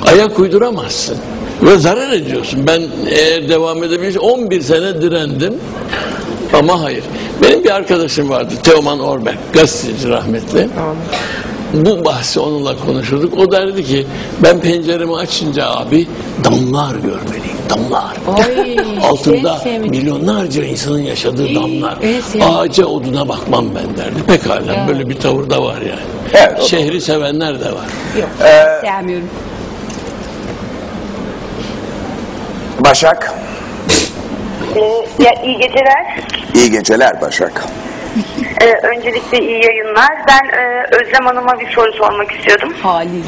Ayak uyduramazsın. Ve zarar ediyorsun. Ben eğer devam edebilirsem 11 sene direndim. Ama hayır. Benim bir arkadaşım vardı. Teoman Orberg. Gazeteci rahmetli. Bu bahsi onunla konuşurduk. O derdi ki ben penceremi açınca abi damlar görmeliyim. Damlar. Oy, altında milyonlarca insanın yaşadığı damlar. Ağaca oduna bakmam ben derdi. Pekala böyle bir tavır da var yani. Evet, Şehri sevenler de var. Yok. Sevmiyorum. Başak. İyi geceler. İyi geceler Başak. Öncelikle iyi yayınlar. Ben Özlem Hanım'a bir soru sormak istiyordum. Haliyle.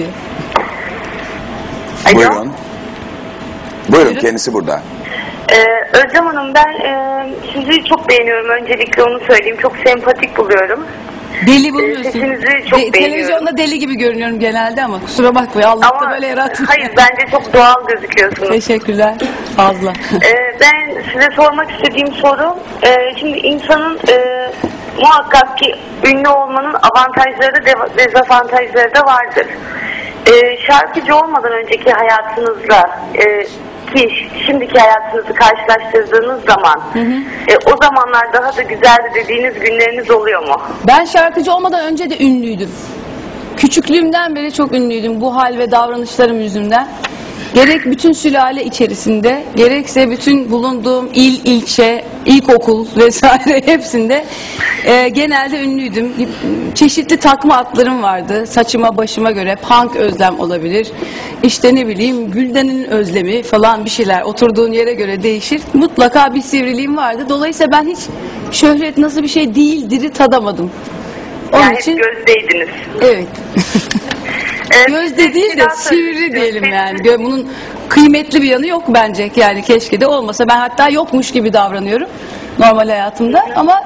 Alo. Buyurun. Buyurun, kendisi burada. Özlem Hanım, ben sizi çok beğeniyorum. Öncelikle onu söyleyeyim. Çok sempatik buluyorum. Deli buluyorsun. Sesinizi çok beğeniyorum. Televizyonda deli gibi görünüyorum genelde ama kusura bakmayın. Allah da böyle yaratmış. Hayır, bence çok doğal gözüküyorsunuz. Teşekkürler. Fazla. Ben size sormak istediğim soru, şimdi insanın muhakkak ki ünlü olmanın avantajları da dezavantajları da vardır. Şarkıcı olmadan önceki hayatınızla ki şimdiki hayatınızı karşılaştırdığınız zaman o zamanlar daha da güzeldi dediğiniz günleriniz oluyor mu? Ben şarkıcı olmadan önce de ünlüydüm. Küçüklüğümden beri çok ünlüydüm bu hal ve davranışlarım yüzünden. Gerek bütün sülale içerisinde, gerekse bütün bulunduğum il, ilçe, ilkokul vesaire hepsinde genelde ünlüydüm. Çeşitli takma adlarım vardı. Saçıma, başıma göre Punk Özlem olabilir. İşte ne bileyim Gülden'in Özlemi falan bir şeyler. Oturduğun yere göre değişir. Mutlaka bir sivriliğim vardı. Dolayısıyla ben hiç şöhret nasıl bir şey değildir'i tadamadım. Onun Yani için hep gözdeydiniz. evet. Gözde değil de sivri diyelim yani. Bunun kıymetli bir yanı yok bence. Yani keşke de olmasa. Ben hatta yokmuş gibi davranıyorum normal hayatımda. Ama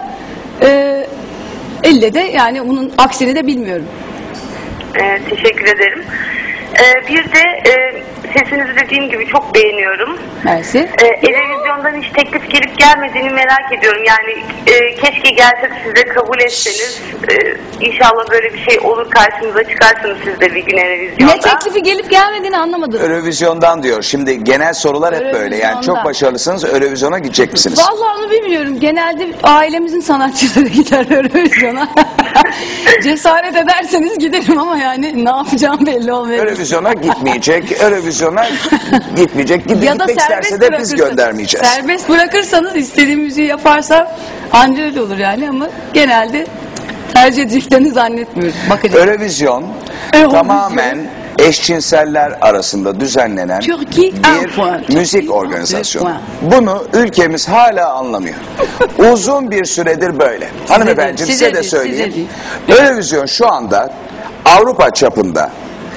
elle de yani bunun aksini de bilmiyorum. Teşekkür ederim. Bir de sesinizi dediğim gibi çok beğeniyorum. Mersi. Televizyondan hiç teklif gelip gelmediğini merak ediyorum. Yani keşke gelse de siz de kabul etseniz. İnşallah böyle bir şey olur, karşınıza çıkarsınız siz de bir gün televizyonda. Ne teklifi gelip gelmediğini anlamadım. Eurovizyondan diyor. Şimdi genel sorular hep böyle. Yani çok başarılısınız. Eurovizyona gidecek misiniz? Vallahi onu bilmiyorum. Genelde ailemizin sanatçıları gider Eurovizyona. Cesaret ederseniz giderim ama yani ne yapacağım belli olmuyor. Eurovizyona gitmeyecek. Eurovizyona gitmeyecek. Gitmek isterse de biz göndermeyeceğiz. Serbest bırakırsanız istediğim müziği yaparsam anca öyle olur yani ama genelde tercih edeceklerini zannetmiyorum. Bakacağım. Eurovizyon tamamen eşcinseller arasında düzenlenen bir müzik organizasyonu. Bunu ülkemiz hala anlamıyor. Uzun bir süredir böyle. Hanımefendi size de söyleyeyim. Eurovizyon şu anda Avrupa çapında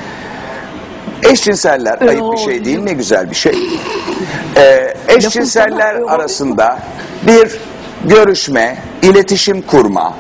eşcinseller, ayıp bir şey değil, ne güzel bir şey. Eşcinseller arasında bir görüşme, iletişim kurma,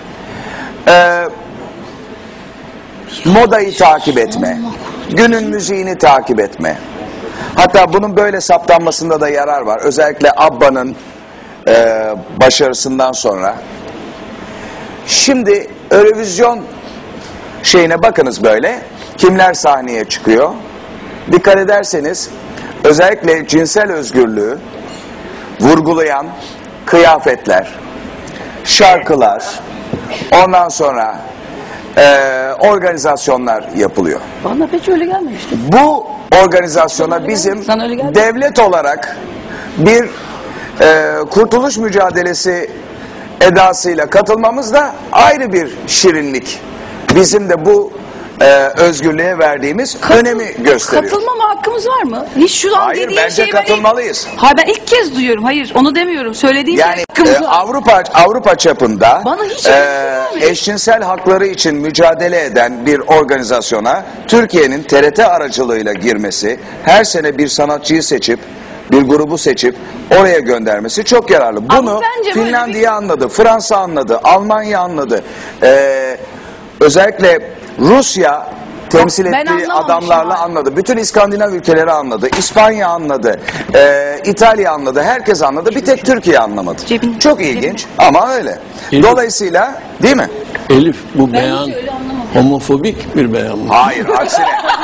modayı takip etme, günün müziğini takip etme. Hatta bunun böyle saptanmasında da yarar var. Özellikle ABBA'nın başarısından sonra. Şimdi Eurovision şeyine bakınız böyle. Kimler sahneye çıkıyor? Dikkat ederseniz özellikle cinsel özgürlüğü vurgulayan kıyafetler, şarkılar, ondan sonra organizasyonlar yapılıyor. Bana hiç öyle gelmemişti. Bu organizasyona bizim devlet olarak bir kurtuluş mücadelesi edasıyla katılmamız da ayrı bir şirinlik. Bizim de bu özgürlüğe verdiğimiz önemi gösteriyor. Katılmama hakkımız var mı? Hiç şu an Hayır, bence katılmalıyız. Hayır, ben ilk kez duyuyorum. Hayır, onu demiyorum. Söylediğim yani Avrupa çapında eşcinsel hakları için mücadele eden bir organizasyona Türkiye'nin TRT aracılığıyla girmesi, her sene bir sanatçıyı seçip, bir grubu seçip oraya göndermesi çok yararlı. Bunu Finlandiya anladı, Fransa anladı, Almanya anladı. Özellikle Rusya temsil ettiği adamlarla anladı. Bütün İskandinav ülkeleri anladı. İspanya anladı. İtalya anladı. Herkes anladı. Bir tek Türkiye anlamadı. Çok ilginç ama öyle. Dolayısıyla değil mi? Elif, bu beyan homofobik bir beyan mı? Hayır, aksine.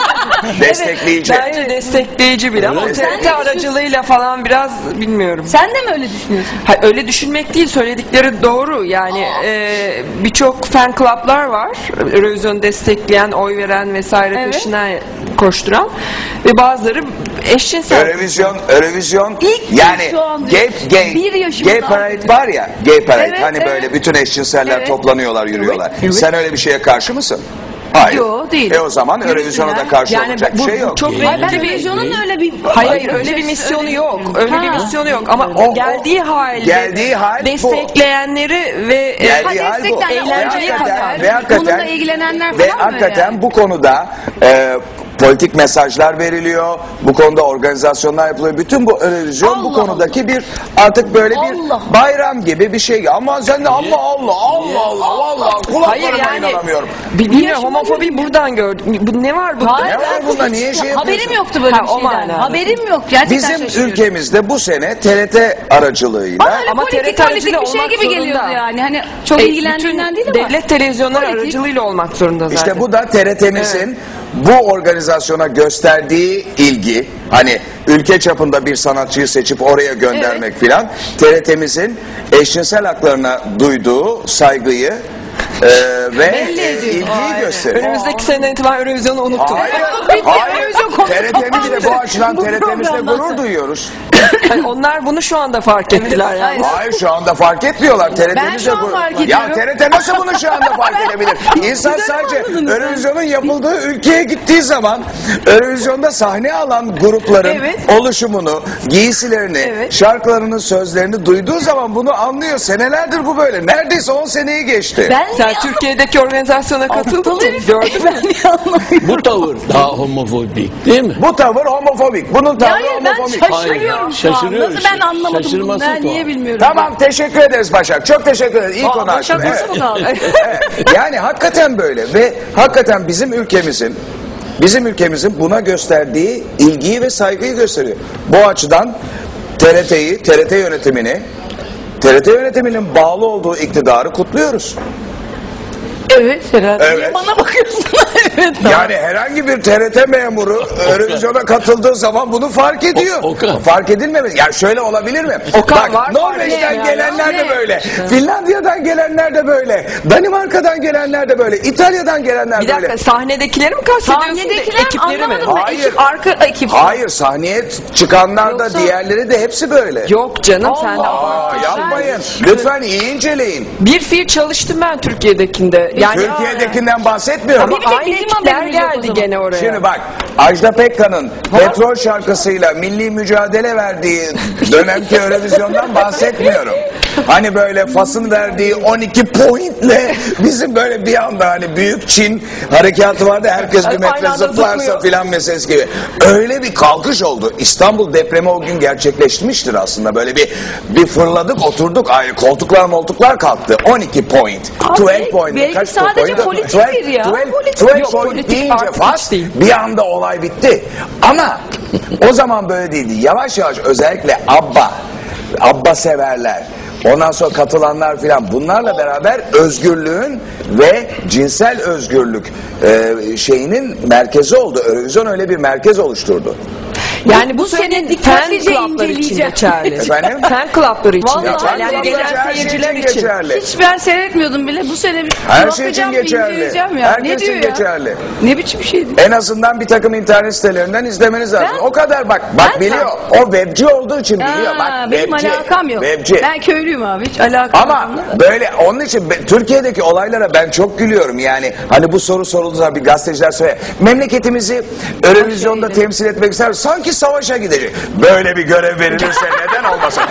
Destekleyici. Bence destekleyici bile ama Öyle. TRT aracılığıyla falan biraz bilmiyorum. Sen de mi öyle düşünüyorsun? Ha, öyle düşünmek değil, söyledikleri doğru. Yani birçok fan club'lar var. Eurovision'u destekleyen, oy veren vesaire Evet. peşinden koşturan ve bazıları eşcinsel. Eurovision İlk yani şu an bir yaşımda gay parade var ya, gay parade Evet, hani evet. böyle bütün eşcinseller Evet. toplanıyorlar, yürüyorlar. Evet. Sen öyle bir şeye karşı mısın? Hayır. Yo, değilim. O zaman Eurovision'a da karşı Yani olacak bu bir şey yok. çok Gay Hayır, ben renkli bir... televizyonun öyle bir... Hayır, öyle bir misyonu yok. Öyle bir misyonu yok ama O- geldiği halde geldiği hal bu. destekleyenleri ve Geldiği hal bu. Eğlenceye Ve hakikaten- bununla ilgilenenler Ve falan mı hakikaten yani? bu konuda politik mesajlar veriliyor. Bu konuda organizasyonlar yapılıyor. Bütün bu Eurovision bu Allah konudaki bir artık böyle bir Allah. bayram gibi bir şey. Ama sen de Allah vallahi kulaklarıma yani inanamıyorum. bilmiyorum, yaşıma homofobi buradan gördüm. Bu ne var burada? Hayır, Ne var ben bunda? hiç- Niye şey Haberim yapıyorsun? yoktu böyle Ha, bir o şeyden. manada. Haberim yok. Gerçekten Bizim şaşırıyorum. ülkemizde bu sene TRT aracılığıyla Bana öyle Ama politik TRT politik bir aracılığı şey olmak gibi zorunda. geliyordu yani. Hani çok ilgilendiğinden değil ama. Devlet televizyonları Politik. aracılığıyla olmak zorunda zaten. İşte bu da TRT'mizin bu organizasyona gösterdiği ilgi, hani ülke çapında bir sanatçıyı seçip oraya göndermek filan, TRT'mizin eşcinsel haklarına duyduğu saygıyı ve Belli ediyor. ilgiyi gösteriyor. Önümüzdeki seneden itibaren Eurovision'u unuttum. Hayır, Bitti, hayır. televizyon konusu TRT'mizle bu kapandı. açıdan Bu TRT'mizle programdan gurur sonra. duyuyoruz. Yani onlar bunu şu anda fark ettiler yani. Hayır, şu anda fark etmiyorlar. TRT'mizle şu an gurur. fark Ya ediyorum. TRT nasıl bunu şu anda fark edebilir? İnsan sadece anladınız sen. Eurovision'un yapıldığı ülkeye gittiği zaman Eurovision'da sahne alan grupların Evet. oluşumunu, giysilerini, Evet. şarkılarının sözlerini duyduğu zaman bunu anlıyor. Senelerdir bu böyle. Neredeyse 10 seneyi geçti. Ben Sen Türkiye'deki organizasyona katıldın mı? Gördün mü? Ben niye anlamıyorum? Bu tavır daha homofobik değil mi? Bu tavır homofobik. Bunun tavrı Hayır ben homofobik. şaşırıyorum Hayır, şu an. şaşırıyoruz. Nasıl ben anlamadım bunu? Şaşırması Ben niye tuhaf. bilmiyorum. Tamam, teşekkür ederiz Başak. Çok teşekkür ederiz. İyi konu açtın. Başak nasıl Evet. mı kaldı? Evet. Yani hakikaten böyle ve hakikaten bizim ülkemizin buna gösterdiği ilgiyi ve saygıyı gösteriyor. Bu açıdan TRT yönetiminin bağlı olduğu iktidarı kutluyoruz. Evet herhalde. Evet. Niye bana bakıyorsun? Evet. Yani herhangi bir TRT memuru Eurovision'a katıldığı zaman bunu fark ediyor. Okan. Fark edilmemesi. Ya şöyle olabilir mi? Okan var, Norveç'ten fark ediyor gelenler de yani. böyle. Finlandiya'dan gelenler de böyle. Danimarka'dan gelenler de böyle. İtalya'dan gelenler Bir böyle. dakika, sahnedekileri mi kastediyorsun? Sahnedekiler ekipleri mi? anlamadım ben. Hayır. Ekip, arka ekip. Hayır, sahneye çıkanlar da Yoksa- diğerleri de hepsi böyle. Yok canım, sen de Aa, yapmayın. Lütfen iyi inceleyin. bir fiil çalıştım ben Türkiye'dekinde. Yani Türkiye'dekinden bahsetmiyorum. ama Bir tek aynı bizim ekipler haberimiz yok o geldi zaman. gene oraya. Şimdi bak, Ajda Pekkan'ın Petrol şarkısıyla milli mücadele verdiği dönemki Eurovision'dan bahsetmiyorum. Hani böyle Fas'ın verdiği 12 pointle bizim böyle bir anda hani büyük Çin harekatı vardı, herkes bir Aynı metre anda zıplarsa zıplıyor. filan meselesi gibi. Öyle bir kalkış oldu. İstanbul depremi o gün gerçekleşmiştir aslında. Böyle bir fırladık, oturduk. Ay, koltuklar kalktı. 12 point. 12 point. belki Kaç sadece point? politiktir ya. 12 Yok, point politik deyince artık Fas değil. bir anda olay bitti. Ama o zaman böyle değildi. Yavaş yavaş özellikle ABBA severler, ondan sonra katılanlar filan, bunlarla beraber özgürlüğün ve cinsel özgürlük şeyinin merkezi oldu. Eurovision öyle bir merkez oluşturdu. Yani bu Bu sene senin fan dikkatlice club'ları için inceleyeceğim. geçerli. Efendim? Fan club'ları için Vallahi geçerli. Yani fan gelen Her şey seyirciler için. geçerli. Hiç ben seyretmiyordum bile. Bu sene bir Her şey için bakacağım, geçerli. inceleyeceğim ya. Herkes Ne diyor için ya? geçerli. Ne biçim şeydi? En azından bir takım internet sitelerinden izlemeniz lazım. Ben- O kadar bak ben- biliyor. O webci olduğu için biliyor. Bak Benim webci. alakam yok. Webci. Ben köylüyüm abi. Hiç alakam Ama yok. böyle onun için Türkiye'deki olaylara ben çok gülüyorum. Yani hani bu soru sorulduğu zaman bir gazeteciler söylüyor. Memleketimizi Eurovision'da temsil etmek ister. Sanki savaşa gidecek. Böyle bir görev verilirse neden olmasın?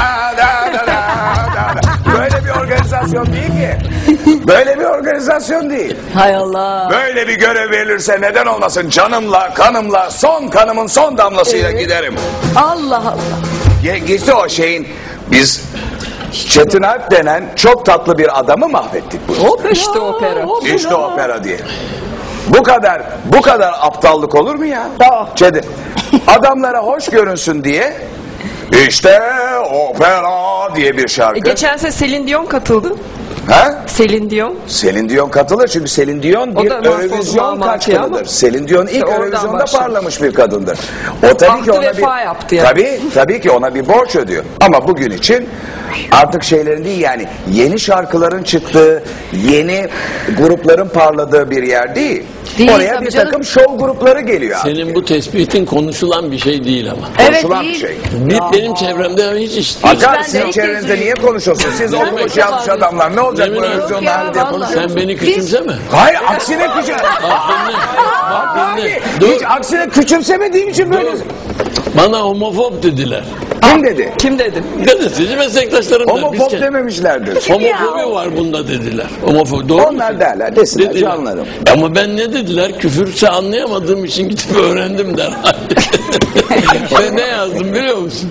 Böyle bir organizasyon değil ki. Böyle bir organizasyon değil. Hay Allah. Böyle bir görev verilirse neden olmasın? Canımla, kanımla, son kanımın son damlasıyla giderim. Allah Allah. Geçti o şeyin, biz Çetin Alp denen çok tatlı bir adamı mahvettik bu. İşte opera. İşte opera diye. Bu kadar aptallık olur mu ya? Çetin. Adamlara hoş görünsün diye işte opera diye bir şarkı. Geçen sene Celine Dion katıldı. Ha? Celine Dion. Celine Dion katılır çünkü Celine Dion O bir da mahvoldu Eurovision Mamaki ama. kaçkınıdır. Celine Dion ilk oradan Eurovision'da başladı. parlamış bir kadındır. O tabii Ahdi ki ona vefa bir yaptı yani. tabii ki ona bir borç ödüyor. Ama bugün için artık şeylerin değil, yani yeni şarkıların çıktığı, yeni grupların parladığı bir yer değil. Değil, Oraya tabii bir canım. takım şov grupları geliyor. Senin bu tespitin konuşulan bir şey değil ama. Evet, Konuşulan bir değil. şey. Benim çevremde hiç iş değil. Hakan, ben de sizin ilk çevrenizde kez niye konuşuyorsunuz? Siz Yemin olmuş ederim. yanlış adamlar. Ne olacak Yemin bu ederim. Eurovision'da Yok ya, hani diye vallahi. konuşuyorsunuz? Sen beni küçümseme. Hayır, aksine küçüm. Bak dinle. Hiç aksine küçümsemediğim için böyle. Bana homofob dediler. Kim dedi? Kim dedim? Gazeteci meslektaşlarım da. Homofob dememişlerdir. Homofobi var bunda dediler. Homofobi. Doğru mu? Onlar derler, desinler, Dediler. canlarım. Ama ben ne dediler? Küfürse anlayamadığım için gidip öğrendim derhal. Ve ne yazdım biliyor musun?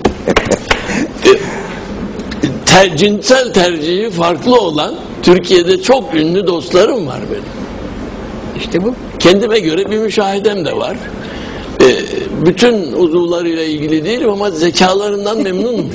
Cinsel tercihi farklı olan Türkiye'de çok ünlü dostlarım var benim. İşte bu. Kendime göre bir müşahidem de var. Bütün uzuvlarıyla ilgili değilim ama zekalarından memnunum.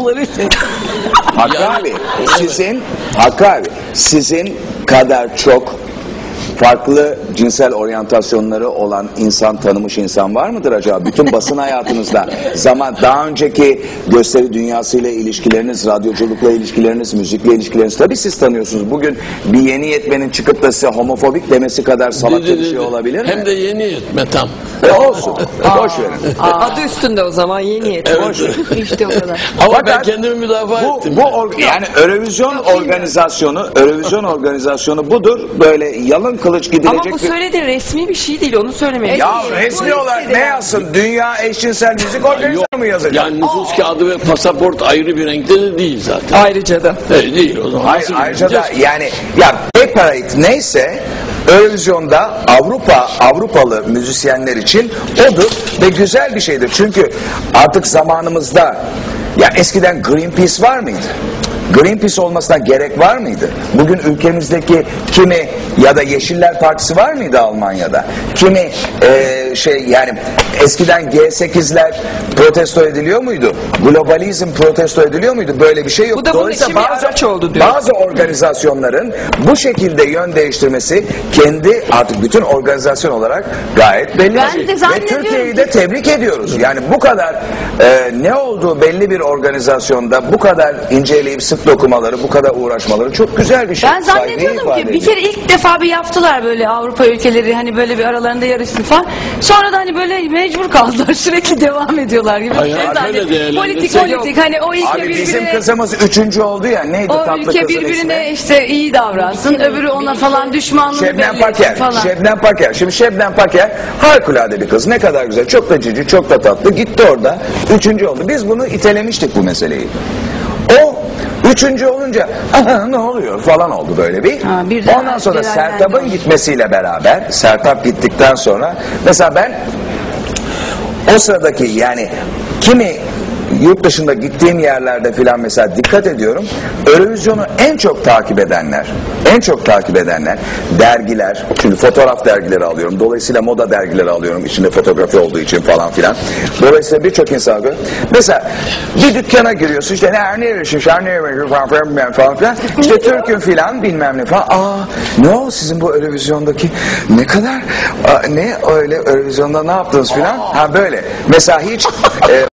Hakkı Yani- abi, Hakkı abi, sizin kadar çok farklı cinsel oryantasyonları olan insan, tanımış insan var mıdır acaba? Bütün basın hayatınızda daha önceki gösteri dünyasıyla ilişkileriniz, radyoculukla ilişkileriniz, müzikle ilişkileriniz, tabii siz tanıyorsunuz. Bugün bir yeni yetmenin çıkıp da size homofobik demesi kadar salakça bir şey olabilir mi? Hem de yeni yetme tam. Olsun, boş verin. Adı üstünde o zaman yeni yet. Evet. Boş verin. İşte o kadar. Ama ben Fakat kendimi müdafaa ettim. Yani Eurovision organizasyonu budur. Böyle yalın kılıç gidilecek Ama bu bir... söylediğin resmi bir şey değil, onu söylemeye. Ya Değil, resmi bu olarak listede ne yani. yazsın? Dünya Eşcinsel Müzik Organizasyonu mu yazacak? Yani nüfus kağıdı ve pasaport ayrı bir renkte de değil zaten. Ayrıca da. Değil o zaman. Hayır, Nasıl ayrıca da bileceğiz? yani ya paperweight neyse Eurovision'da Avrupalı müzisyenler için odur ve güzel bir şeydir. Çünkü artık zamanımızda ya eskiden Greenpeace var mıydı? Greenpeace olmasına gerek var mıydı? Bugün ülkemizdeki kimi ya da Yeşiller Partisi var mıydı Almanya'da? Kimi yani eskiden G8'ler protesto ediliyor muydu? Globalizm protesto ediliyor muydu? Böyle bir şey yok. Bu da bunun için bir araç oldu diyor. Bazı organizasyonların bu şekilde yön değiştirmesi kendi artık bütün organizasyon olarak gayet belli. Ben bir şey. de Ve zannediyorum Türkiye'yi ki- de tebrik ediyoruz. Yani bu kadar ne olduğu belli bir organizasyonda bu kadar inceleyip sık dokumaları, bu kadar uğraşmaları çok güzel bir şey. Ben Saygıyı zannediyordum ifade ki bir ediyor. kere ilk defa bir yaptılar böyle Avrupa ülkeleri hani böyle bir aralarında yarışsın falan. Sonra da hani böyle mecbur kaldılar sürekli devam ediyorlar gibi. Hayır, Şey öyle politik değerlendirsek hani o ülke Abi bizim birbirine kızımız 3. oldu ya, neydi o tatlı ülke kızın birbirine ismi? işte iyi davransın öbürü ona falan düşmanlığını Şebnem belli etsin Paker. falan. Şebnem Paker. Şimdi Şebnem Paker harikulade bir kız. Ne kadar güzel. Çok da cici, çok da tatlı. Gitti orada. 3. oldu. Biz bunu itelemiştik bu meseleyi. O 3. olunca ne oluyor falan oldu böyle bir. Ha, birden Ondan sonra celallendi. Sertab'ın gitmesiyle beraber, Sertab gittikten sonra mesela ben o sıradaki yani kimi yurt dışında gittiğim yerlerde filan mesela dikkat ediyorum. Eurovision'u en çok takip edenler dergiler, çünkü fotoğraf dergileri alıyorum. Dolayısıyla moda dergileri alıyorum. İçinde fotoğrafı olduğu için falan filan. Dolayısıyla birçok insan görüyor. Mesela bir dükkana giriyorsun işte ne yaşıyorsun falan filan. İşte Türk'ün filan bilmem ne falan. Ne o sizin bu Eurovision'daki ne kadar ne öyle Eurovision'da ne yaptınız filan? Ha böyle. Mesela hiç